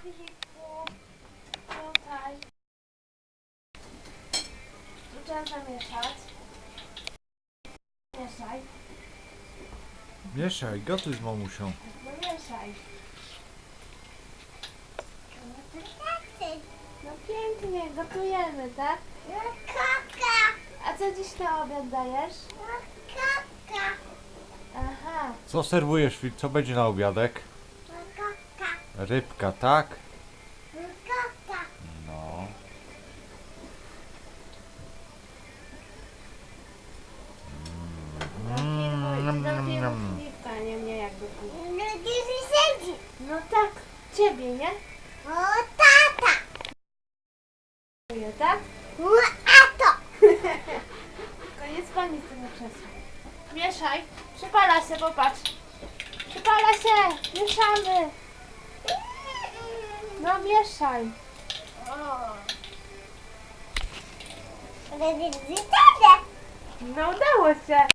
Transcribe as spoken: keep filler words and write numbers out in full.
Filipku, tutaj. Tu trzeba zamieszać. Mieszaj. Mieszaj, gotuj z mamusią. No mieszaj. No pięknie, gotujemy, tak? No kaka, A co dziś na obiad dajesz? no kaka, Aha, Co serwujesz, Fil? Co będzie na obiadek? no kaka, Rybka, tak? no kaka. No. mm, zamknijmy Filipka, nie mnie jak gotuje. No gdzie siedzi? No tak, ciebie, nie? O tata, Gotuje, tak? no a to. Koniec pani z tego krzesła. Mieszaj. Przypala się, popatrz. Przypala się. Mieszamy. No mieszaj. Ale gdzie tata? No udało się.